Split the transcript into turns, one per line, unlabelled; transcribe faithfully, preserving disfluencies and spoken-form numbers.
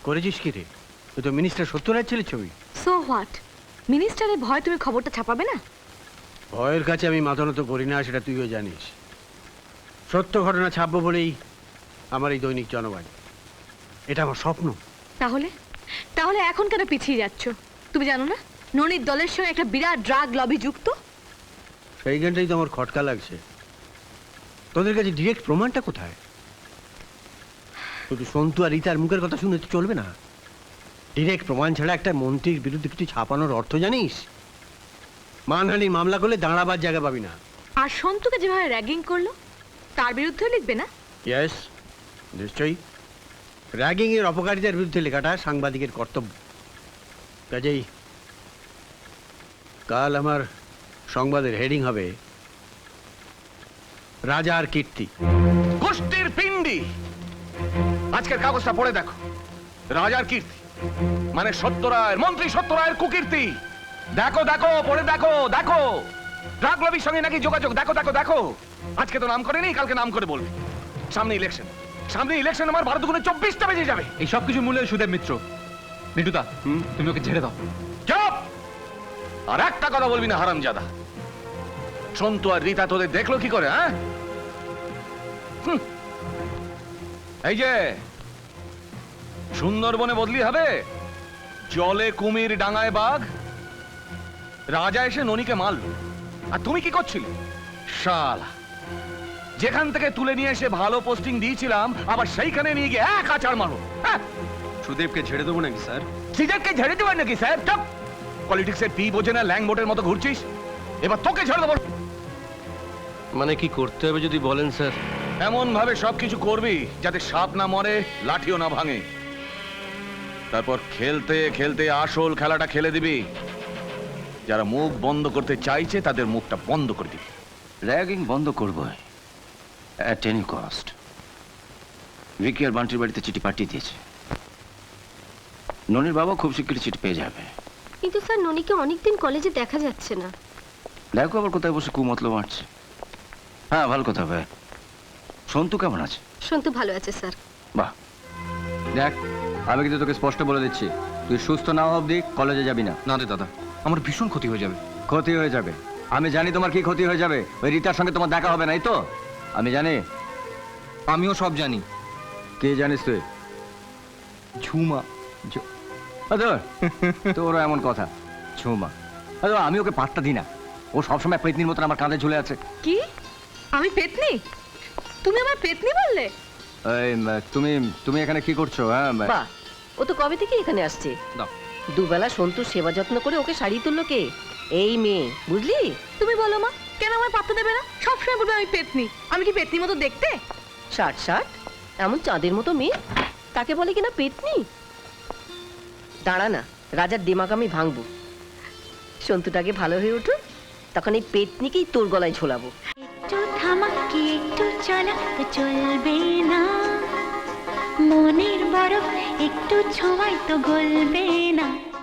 করেছিস কি রে? তুই তো মিনিস্টার সত্যরাজ ছেলের ছবি।
So what? মিনিস্টারের ভয় তুমি খবরটা ছাপাবে না?
ভয়ের কাছে আমি মাথা নত করি না, সেটা তুইও জানিস। সত্য ঘটনা ছাপবো বলেই আমার এই দৈনিক জনবাণী, এটা আমার স্বপ্ন।
তাহলে তাহলে এখন কেন পিছিয়ে যাচ্ছ? তুমি জানো না ননির দলের সঙ্গে একটা বিরাট ড্রাগ লবি যুক্ত?
সেইখানটাই তো আমার খটকা লাগছে। তোদের কাছে ডিরেক্ট প্রমাণটা কোথায়? শুধু সন্তু আর রীতার মুখের কথা শুনে তো চলবে না। ডিরেক্ট প্রমাণ ছাড়া একটা মন্ত্রীর বিরুদ্ধে কিছু ছাপানোর অর্থ জানিস? মানহানির মামলা করলে দাঁড়াবার জায়গা পাবি না।
আর সন্তুকে যেভাবে র্যাগিং করলো তার বিরুদ্ধেও লিখবে না?
ইয়েস, নিশ্চয়ই। র্যাগিং এর অপকারিতার বিরুদ্ধে লেখাটা সাংবাদিকের কর্তব্য। কাজেই কাল আমার সংবাদের হেডিং হবে রাজার কীর্তি।
গোষ্ঠীর পিণ্ডি। আজকের কাগজটা পড়ে দেখো। রাজার কীর্তি মানে সত্যরায়ের, মন্ত্রী সত্যরায়ের কুকীর্তি। দেখো দেখো, পড়ে দেখো দেখো। ড্রাগ লবির সঙ্গে নাকি যোগাযোগ। দেখো দেখো দেখো। আজকে তো নাম করেনি, কালকে নাম করে বলবে। সামনে ইলেকশন, সামনে ইলেকশন। আমার বারো দুগুণে চব্বিশটা বেজে যাবে।
এই সব কিছু মূল্যে সুদেব মিত্র। নিটুদা, তুমি ওকে ছেড়ে দাও।
চুপ! আর একটা কথা বলবি না হারামজাদা। সন্তু আর রীতা তোদের দেখলো কি করে? হ্যাঁ, এই যে সুন্দরবনে বদলি হবে, জলে কুমির ডাঙায় বাঘ। রাজা এসে ননিকে মারল, আর তুমি কি করছিলে? শালা, যেখান থেকে তুলে নিয়ে এসে ভালো পোস্টিং দিয়েছিলাম আবার সেইখানে নিয়ে গিয়ে এক আচার মারো। হ্যাঁ,
সুদেবকে ছেড়ে দেবো নাকি স্যার?
সিজারকে ঝেড়ে দেবেন নাকি স্যার? চুপ! পলিটিক্সের পি বোঝে না, ল্যাং বোটের মতো ঘুরছিস। এবার তোকে ছেড়ে দেবো।
মানে কি করতে হবে যদি বলেন স্যার?
এমন ভাবে সবকিছু করবি যাতে সাপ না মরে, লাঠিও না ভাঙে। তারপর খেলতে খেলতে আসল খেলাটা খেলে দিবি। যারা মুখ বন্ধ করতে চাইছে তাদের মুখটা বন্ধ করে দিবি।
র্যাগিং বন্ধ করবো অ্যাট এনি কস্ট। ভিকি আর বান্টির বাড়িতে চিঠি পাঠিয়ে দিয়েছে। ননির বাবা খুব শিগগিরই চিঠি পেয়ে যাবে।
কিন্তু স্যার ননিকে অনেকদিন কলেজে দেখা যাচ্ছে না।
দেখো আবার কোথায় বসে কুমতলো মারছে। হ্যাঁ, ভালো কথা ভাই। সন্তু কেমন আছে?
সন্তু ভালো আছে স্যার।
বাহ।
দেখ, আমি কিন্তু তোকে স্পষ্ট বলে দিচ্ছি, তুই সুস্থ না হওয়া অবধি কলেজে যাবি না। না রে দাদা, আমার ভীষণ ক্ষতি হয়ে যাবে। ক্ষতি হয়ে যাবে? আমি জানি তোমার কি ক্ষতি হয়ে যাবে। ওই রীতার সঙ্গে তোমার দেখা হবে না, এই তো? আমি জানি। আমিও সব জানি। কে জানিস তুই? ঝুমা। তোরও এমন কথা? ঝুমা? আমি ওকে পাত্তা দিই না। ও সবসময় পেতনির মতন আমার কাঁধে ঝুলে আছে।
কি? আমি পেতনি? তুমি আমার পেতনি বললে?
এই, তুমি তুমি এখানে কি করছো? হ্যাঁ,
বাহ, ও তো কবে থেকে এখানে আসছে।
দাও।
দুবেলা সন্তুর সেবা যত্ন করে ওকে শাড়ি তুললো কে? এই মেয়ে, বুঝলি?
তুমি বলো মা, কেন আমায় পাত্তা দেবে না? সবসময় বলবে আমি পেতনি। আমি কি পেতনির মতো দেখতে?
ষাট ষাট এমন চাঁদের মতো মেয়ে, তাকে বলে কিনা পেতনি? দাঁড়া না, রাজার দিমাগ আমি ভাঙবো। সন্তুটাকে ভালো হয়ে উঠুক, তখন এই পেতনিকেই তোর গলায় ঝোলাবো।
একটু থামাকি একটু চলা তো চলবে না, মনের বরফ একটু ছোঁয়াই তো গলবে না।